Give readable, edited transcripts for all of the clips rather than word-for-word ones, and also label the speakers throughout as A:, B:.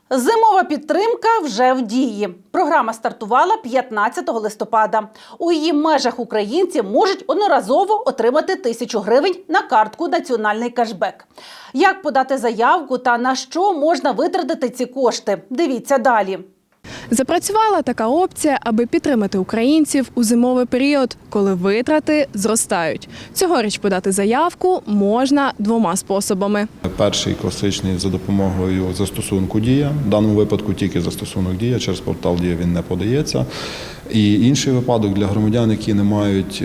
A: Зимова підтримка вже в дії. Програма стартувала 15 листопада. У її межах українці можуть одноразово отримати 1000 гривень на картку «Національний кешбек». Як подати заявку та на що можна витратити ці кошти? Дивіться далі.
B: Запрацювала така опція, аби підтримати українців у зимовий період, коли витрати зростають. Цьогоріч подати заявку можна двома способами.
C: Перший класичний за допомогою застосунку «Дія». В даному випадку тільки застосунок «Дія», через портал «Дія» він не подається. І інший випадок для громадян, які не мають,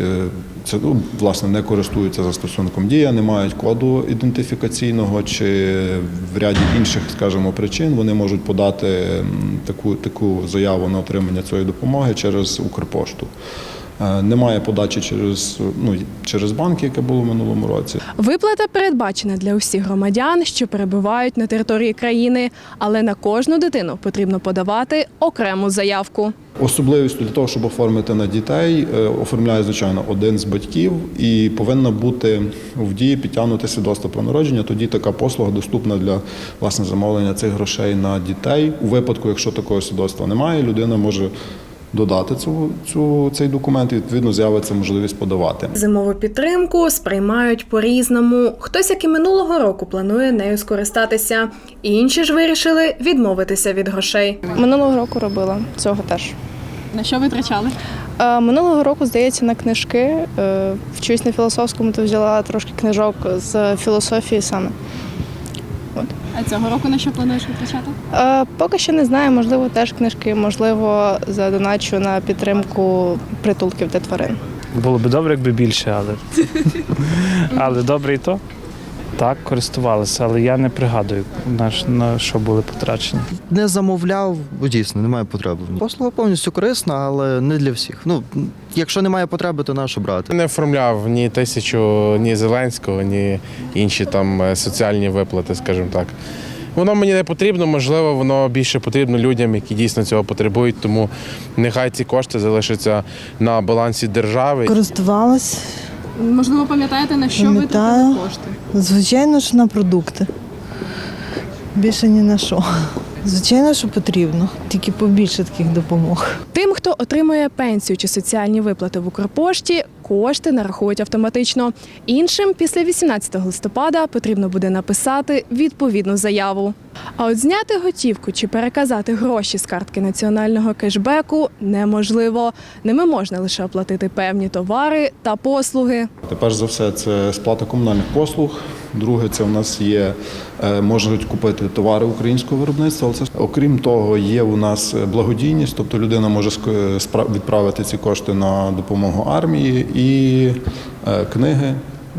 C: не користуються застосунком «Дія», не мають коду ідентифікаційного чи в ряді інших, скажімо, причин, вони можуть подати таку заяву на отримання цієї допомоги через Укрпошту. Немає подачі через банки, яке було в минулому році.
B: Виплата передбачена для усіх громадян, що перебувають на території країни, але на кожну дитину потрібно подавати окрему заявку.
C: Особливістю для того, щоб оформити на дітей, оформляє, звичайно, один з батьків і повинна бути в дії підтягнути свідоцтво про народження. Тоді така послуга доступна для замовлення цих грошей на дітей. У випадку, якщо такого свідоцтва немає, людина може додати цей документ і, відповідно, з'явиться можливість подавати.
B: Зимову підтримку сприймають по-різному. Хтось, як і минулого року, планує нею скористатися. Інші ж вирішили відмовитися від грошей.
D: Минулого року робила, цього теж.
B: На що витрачали?
D: Минулого року, здається, на книжки. Вчусь на філософському, то взяла трошки книжок з філософії саме.
B: А цього року на що плануєш витрачати?
D: Поки що не знаю, можливо, теж книжки, можливо, задоначу на підтримку притулків для тварин.
E: Було б добре, якби більше, але добре і то. Так, користувалися, але я не пригадую, на що були потрачені.
F: Не замовляв, бо дійсно немає потреби. Послуга повністю корисна, але не для всіх. Якщо немає потреби, то на що брати?
G: Не оформляв ні 1000, ні Зеленського, ні інші там соціальні виплати, скажімо так. Воно мені не потрібно, можливо, воно більше потрібно людям, які дійсно цього потребують, тому нехай ці кошти залишаться на балансі держави.
H: Користувалась.
B: Можливо, пам'ятаєте, на що витратили кошти?
H: Звичайно ж, на продукти. Більше ні на що. Звичайно, що потрібно. Тільки побільше таких допомог.
B: Тим, хто отримує пенсію чи соціальні виплати в Укрпошті, кошти нарахують автоматично. Іншим після 18 листопада потрібно буде написати відповідну заяву. А от зняти готівку чи переказати гроші з картки національного кешбеку неможливо. Ними можна лише оплатити певні товари та послуги.
C: Перш за все, це сплата комунальних послуг. Друге, це у нас є, можуть купити товари українського виробництва. Окрім того, є у нас благодійність, тобто людина може відправити ці кошти на допомогу армії і книги,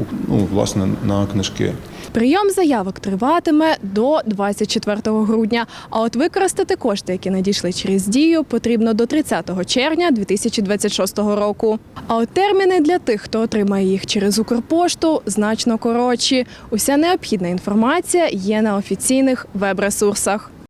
C: на книжки.
B: Прийом заявок триватиме до 24 грудня, а от використати кошти, які надійшли через Дію, потрібно до 30 червня 2026 року. А от терміни для тих, хто отримає їх через Укрпошту, значно коротші. Уся необхідна інформація є на офіційних веб-ресурсах.